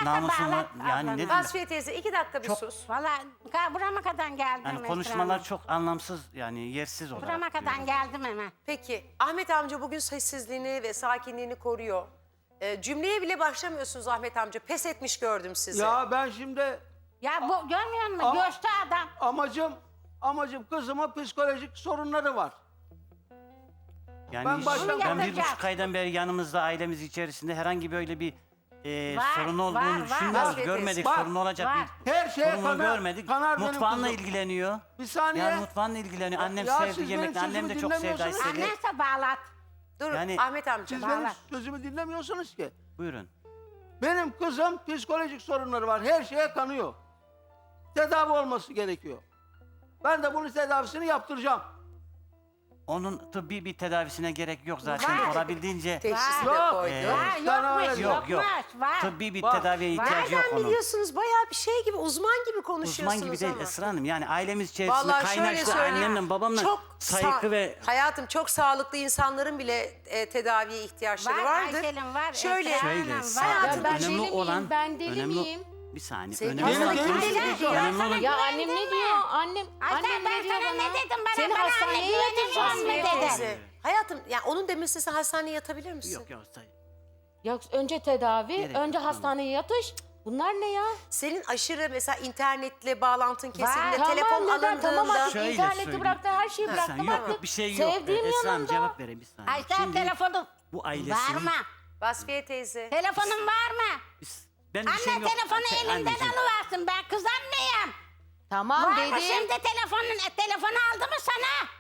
namusun var. Yani ne diyeyim? Vasfiye teyze 2 dakika bir Çok- sus. Valla burama kadar geldim. Yani Esra konuşmalar Hanım. çok anlamsız yani yersiz olarak. Burama kadar diyorum. geldim hemen. Peki Ahmet amca bugün sessizliğini ve sakinliğini koruyor. Cümleye bile başlamıyorsunuz Ahmet amca. Pes etmiş gördüm sizi. Ya ben şimdi Ya bu görmüyor musun? Ama- Göçtü adam. amacım kızıma psikolojik sorunları var. Yani Ben baştan- ben bir Yapacak. buçuk aydan beri yanımızda ailemiz içerisinde herhangi böyle bir Var, sorun olduğunu var, düşünmüyoruz. var. Görmedik Var. sorun olacak Var. bir Her şeye sorunu görmedik. kanar benim Mutfağınla kızım. ilgileniyor. Bir saniye. Yani mutfağınla ilgileniyor. Annem Ya sevdi siz benim yemekleri. Annem de sözümü çok sevdi dinlemiyorsunuz. Aysel'i. Annense bağlat. Dur Yani- Ahmet amca. Siz Vallahi. benim sözümü dinlemiyorsunuz ki. Buyurun. Benim kızım psikolojik sorunları var. Her şeye kanıyor. Tedavi olması gerekiyor. Ben de bunun tedavisini yaptıracağım. Onun tıbbi bir tedavisine gerek yok zaten. Var. Olabildiğince Teşhisi de Yok. koydu. Var Sana yokmuş öyle- yok yok. Var. Tıbbi bir Var. tedaviye ihtiyacı yok Nereden onun. biliyorsunuz? Bayağı bir şey gibi, uzman gibi konuşuyorsunuz Uzman gibi değil ama. Esra Hanım. Yani ailemiz içerisinde Vallahi şöyle kaynaştı söyleyeyim. annemle babamla saygı ve Hayatım çok sağlıklı insanların bile tedaviye ihtiyaçları Var, vardır. Aysel'in var, Şöyle Esra şöyle Hanım, sadece var. ben önemli deli miyim? olan Ben deli önemli miyim? bir saniye. Sevgili Önemli olan Hanım, önemli olan Ya annem ne diyor? Annem Ayşe ben ne diyor sana bana? ne dedim? Bana Seni bana anne hastaneye güvenemiyorum mu yatıracağım dedin? Teyze, hayatım yani onun demesi sen hastaneye yatabilir misin? yok yok. Ya önce tedavi, Gerek önce yok, hastaneye yatış. Bunlar ne ya? Senin aşırı mesela internetle bağlantın kesildiğinde, Tamam, telefon neden? alındığında... Tamam artık Şöyle interneti söyleyeyim. bıraktı, her şeyi Bir bıraktı. saniye, yok Bak, yok bir şey yok. Sevdiğim Esra Hanım yanında. cevap vereyim bir saniye. Ayşe Şimdi telefonu bu var ailesinin... mı? Vasfiye teyze. Telefonun var mı? Ben bir Anne şeyim yok. telefonu elinden Anneciğim. alıversin. Ben kız anneyim. Tamam Var mı dedim. şimdi telefonu aldı mı sana?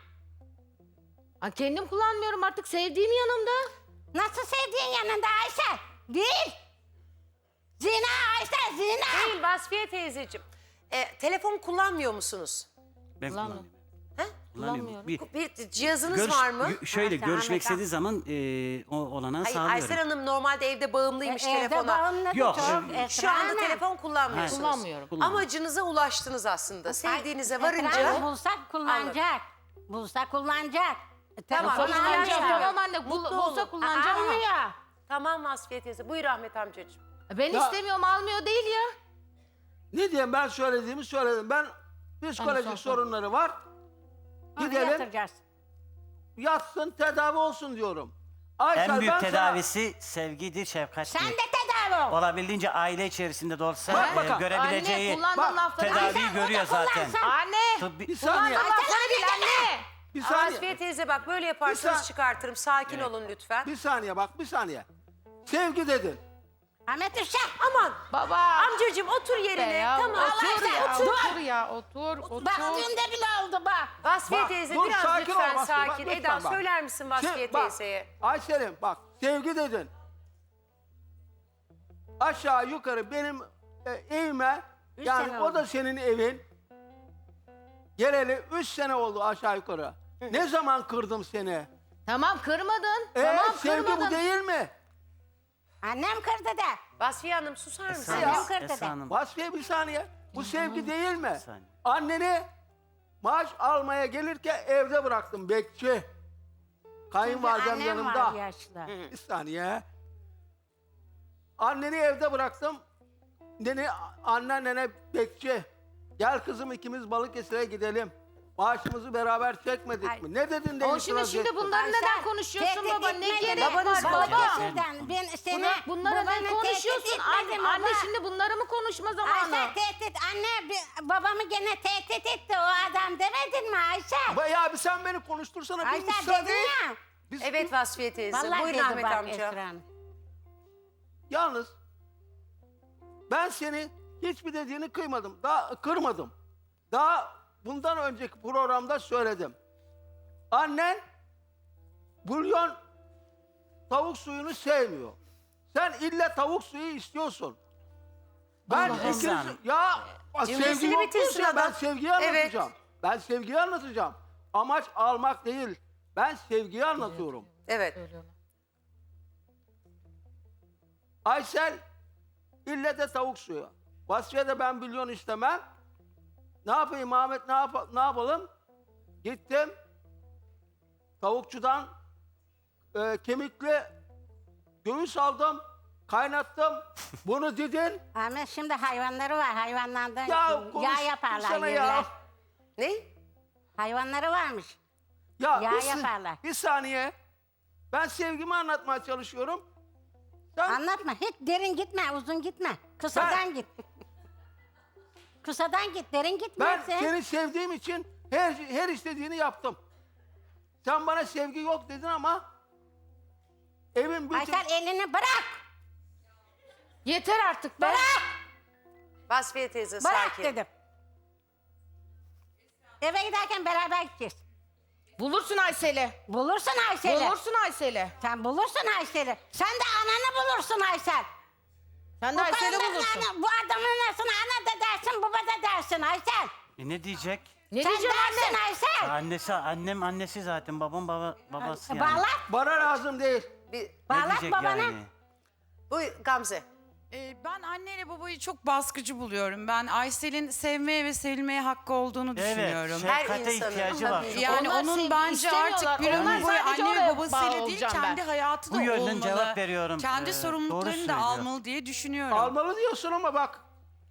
Aa, kendim kullanmıyorum artık, sevdiğim yanımda. Nasıl sevdiğin yanında Ayşe? Değil. Zina Ayşe zina. Değil Vasfiye teyzeciğim. Telefon kullanmıyor musunuz? Ben Kullanmıyorum. kullanıyorum. He? Kullanıyorum. Bir cihazınız var mı? Şöyle Ha, görüşmek Ahmet istediği zaman o olanağı Hayır, sağlıyorum. Aysel Hanım normalde evde bağımlıymış Evde telefona. bağımlı Yok, çok evet. Şu anda Esra telefon kullanmıyorsunuz. Kullanmıyorum. Kullanmıyorum. Amacınıza ulaştınız aslında. Sevdiğinize Esra varınca... Hanım bulsak kullanacak. Bulsa kullanacak. Tamam, Telefonu ihtiyaç almıyor. yok. Tamam anne, Mutlu bulsa olun. kullanacağım ama. Almıyor. Tamam Vasfiye teyze. Buyur Ahmet amcacığım. Ben istemiyorum, almıyor değil ya. Ne diyeyim, ben söylediğimi söyledim. Ben psikolojik son- sorunları var. Onu Gidelim yatıracağız. yatsın, tedavi olsun diyorum. Aysel, En büyük ben sana- tedavisi sevgidir, şefkattir. Sen de tedavi ol. Olabildiğince aile içerisinde de olsa Bak bakalım. görebileceği Anne, kullandığım Bak, lafları... tedaviyi Ayşe, görüyor o da zaten. kullansın. Anne! Tıbbi- Bir saniye. Kullandığım lafları bil anne! Bir saniye. Vasfiye teyze bak böyle yaparsanız Bir çıkartırım. Sakin olun lütfen. Bir saniye bak, bir saniye. Sevgi dedin. Ahmet Uşak. Aman Baba! amcacığım otur Be yerine. ya, Tamam. otur Allah ya, otur. otur ya, otur. Bak düğünde bile oldu bak. Vasfiye Bak, teyze dur, biraz sakin ol lütfen Vasfiye, bak, sakin. lütfen Eda bak. söyler misin Vasfiye Bak, teyzeye? Aysel'im bak, sevgi dedin. Aşağı yukarı benim evime, yani sene o oldu. da senin evin. Geleli 3 sene oldu aşağı yukarı. Ne zaman kırdım seni? Tamam, kırmadın. Tamam, Sevgi kırmadın. bu değil mi? Annem kırdı da. Vasfiye Hanım susar mısın? Esra Hanım, kırdı Esra de. Hanım. Vasfiye bir saniye. Bu sevgi değil mi? Bir saniye. Anneni maaş almaya gelirken evde bıraktım, bekçi. Kayınvalidem Annem yanımda. var yaşlı. Bir saniye. Anneni evde bıraktım. Anneannene bekçi. Gel kızım, ikimiz Balıkesir'e gidelim. Maaşımızı beraber çekmedik Ay. mi? Ne dedin de O şimdi itiraz ettin? bunları Ayşe, neden konuşuyorsun tehdit baba? Ne etmedin. gerek Babanız var var. baba? Babanızdan ben seni Bunları neden babanı konuşuyorsun? tehdit Anne, etmedim anne baba. şimdi bunları mı konuşma zamanı? Ayşe tehdit. Anne babamı gene tehdit etti o adam demedin mi Ayşe? Ya bir sen beni konuştursana. Bir Ayşe müsaade dedin et. ya. Biz- Evet Vasfiye teyze. Vallahi Buyurun dedi Ahmet bak amca. Esra Hanım. Yalnız ben seni hiçbir dediğini kırmadım. Daha bundan önceki programda söyledim. Annen bulyon tavuk suyunu sevmiyor. Sen ille tavuk suyu istiyorsun. Ben Allah ikiniz... Allah. Ya Cümlesini sevgi bitirsin yoksa ben adam. sevgiyi Evet. anlatacağım. Ben sevgiyi anlatacağım. Amaç almak değil. Ben sevgiyi anlatıyorum. Evet. Aysel ille de tavuk suyu. Vasfiye de ben bulyon istemem. Ne yapayım Ahmet, ne yapalım? Gittim. Tavukçudan kemikli göğüs aldım. kaynattım. Bunu dedin. Ama şimdi hayvanları var. Hayvanlardan Ya yağ yaparlar konuşsana yerler. ya. Ne? Hayvanları varmış. Ya Yağ bir, yaparlar. bir saniye. Ben sevgimi anlatmaya çalışıyorum. Sen Anlatma. Hiç derin gitme, uzun gitme. Kısadan git. Kısadan git, derin gitme. ben sen. seni sevdiğim için her istediğini yaptım. Sen bana sevgi yok dedin ama evin bütün... Aysel elini bırak. Yeter artık be. Bırak. Vasfiye teyze Bırak sakin. dedim. Eve giderken beraber gideceğiz. Bulursun Aysel'i. Bulursun Aysel'i. Bulursun Aysel'i. Sen bulursun Aysel'i. Sen de ananı bulursun Aysel. Sen de Bu Aysel'i kadının bulursun. Bu adamın anasını ana da dersin, baba da dersin Aysel. Ne diyecek? Ne Sen diyeceğim dersin anne? Aysel. Annesi, annem annesi zaten. Babam babası yani. Bağlat, Bana lazım değil. Bir, Ne bağlat diyecek babana. yani? bu Gamze. Ben anneyle babayı çok baskıcı buluyorum. Ben Aysel'in sevmeye ve sevilmeye hakkı olduğunu düşünüyorum. Evet, Her şefkate insanın ihtiyacı var. Yani Onlar onun sevgi bence istemiyorlar. artık bir Onlar ömür boyu sadece anne ve oraya babasıyla bağlı değil, olacağım kendi ben. hayatı da Bu yönden olmalı. cevap veriyorum. Kendi Doğru sorumluluklarını da söylüyor. almalı diye düşünüyorum. Almalı diyorsun ama bak.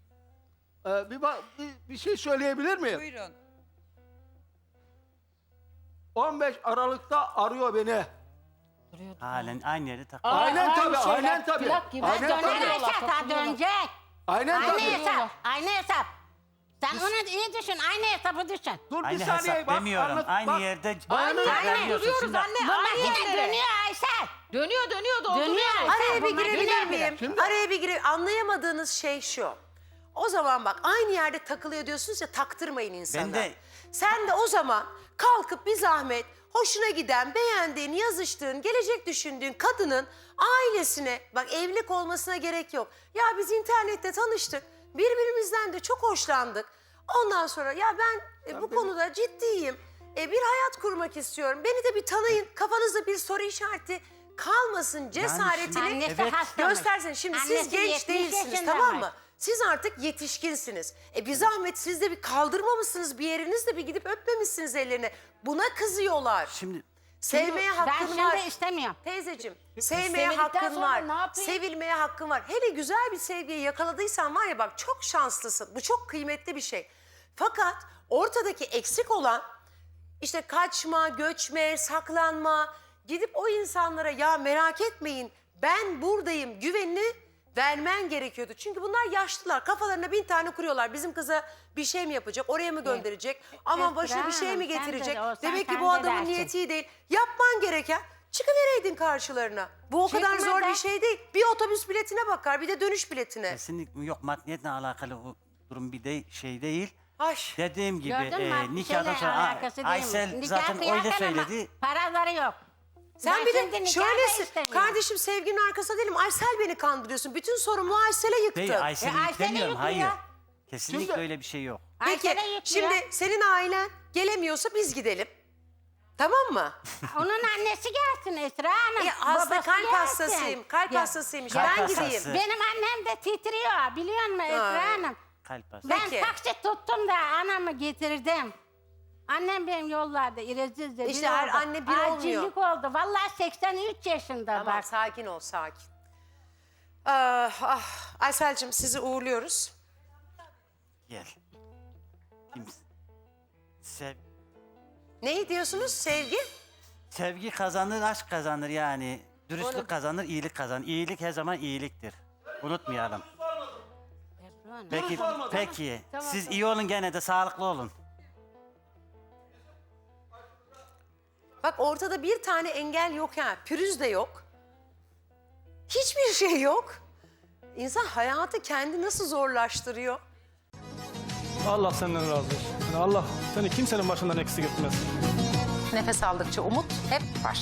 Bir şey söyleyebilir miyim? Buyurun. 15 Aralık'ta arıyor beni. Halen aynı yerde takılıyor. Aynen tabii, şeyler, aynen tabii. plak gibi. Aynen Döner tabii. Aysel, daha dönecek. Aynen Aynı tabii. hesap, aynı hesap. Sen onu iyi düşün, aynı hesabı düşün. Dur Aynı bir saniye hesap bak. demiyorum. anlat- Aynı bak. yerde Aynı tekrarlıyorsun. duruyoruz Şimdi anne. Bu Aynı makine yerde. dönüyor Aysel. Dönüyor dolduruyor. Dönüyor Aysel. Araya bir bu makine girebilir dönüyor. miyim? Araya bir gire. Anlayamadığınız şey şu. O zaman bak aynı yerde takılıyor diyorsunuz ya, taktırmayın insana. Ben de- Sen de o zaman kalkıp bir zahmet hoşuna giden, beğendiğin, yazıştığın, gelecek düşündüğün kadının ailesine, bak evlilik olmasına gerek yok. Ya biz internette tanıştık, birbirimizden de çok hoşlandık. Ondan sonra ya ben bu konuda ciddiyim, bir hayat kurmak istiyorum. Beni de bir tanıyın, kafanızda bir soru işareti kalmasın cesaretini Annesi Evet. hastamış. göstersin. Şimdi siz Annesi genç 70 değilsiniz, yaşında tamam var. mı? Siz artık yetişkinsiniz. Bir zahmet siz de bir kaldırmamışsınız bir yerinizde, bir gidip öpmemişsiniz ellerine. Buna kızıyorlar. Şimdi Sevmeye Ben hakkın şimdi var. istemiyorum. Teyzeciğim, sevmeye İstemedikten hakkın sonra var. ne yapayım? Sevilmeye hakkın var. Hele güzel bir sevgiyi yakaladıysan var ya, bak çok şanslısın. Bu çok kıymetli bir şey. Fakat ortadaki eksik olan işte kaçma, göçme, saklanma. Gidip o insanlara ya merak etmeyin ben buradayım güvenini vermen gerekiyordu. Çünkü bunlar yaşlılar. Kafalarına 1000 tane kuruyorlar. Bizim kıza bir şey mi yapacak, oraya mı gönderecek? Ama başına bir şey mi Esra Hanım, sen de getirecek? olsan Demek ki sen bu de adamın dersin. niyeti iyi değil. Yapman gereken çıkıvereydin karşılarına. Bu o kadar zor Çıkmadan- bir şey değil. Bir otobüs biletine bakar, bir de dönüş biletine. kesinlikle yok, maddiyetle alakalı bu durum bir de şey değil. Ay. Dediğim gibi Gördün mü? Bir nikahdan şeyle sonra alakası değil mi? Aysel Nikah zaten öyle kıyarken ama söyledi. paraları yok. Sen Ben bir şimdi de nikah da şöylesin. istemiyorum. Kardeşim sevginin arkasında değilim. Aysel beni kandırıyorsun. Bütün sorumluluğu Aysel'e yıktın. Değil, Aysel'i Aysel'i yüklemiyorum. Hayır. yüklüyor. Kesinlikle Şimdi- öyle bir şey yok. Peki Aysel'e yüklüyor. şimdi senin ailen gelemiyorsa biz gidelim. Tamam mı? Onun annesi gelsin Esra Hanım. Hasta babası kalp gelsin. hastasıyım. Kalp Ya, hastasıymış. Kalp Ben hastası. gideyim. Benim annem de titriyor biliyor musun Esra Hanım? Kalp hastası. Ben Peki. taksi tuttum da anamı getirdim. Annem benim yollarda İreziz'de İşte bir her oldu. anne bir olmuyor. Acillik oldu. Vallahi 83 yaşında Tamam bak. sakin ol sakin. Aysel'cim sizi uğurluyoruz. Gel. Ne diyorsunuz sevgi? Sevgi kazanır, aşk kazanır yani. Dürüstlük kazanır, iyilik kazanır. İyilik her zaman iyiliktir. Unutmayalım. Peki. Siz iyi olun, gene de sağlıklı olun. Bak ortada bir tane engel yok ha. Pürüz de yok. Hiçbir şey yok. İnsan hayatı kendi nasıl zorlaştırıyor? Allah senden razı olsun. Yani Allah seni kimsenin başından eksik etmez. Nefes aldıkça umut hep var.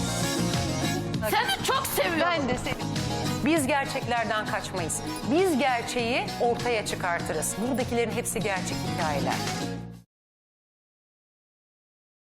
Seni çok seviyorum. Ben de seni. Biz gerçeklerden kaçmayız. Biz gerçeği ortaya çıkartırız. Buradakilerin hepsi gerçek hikayeler.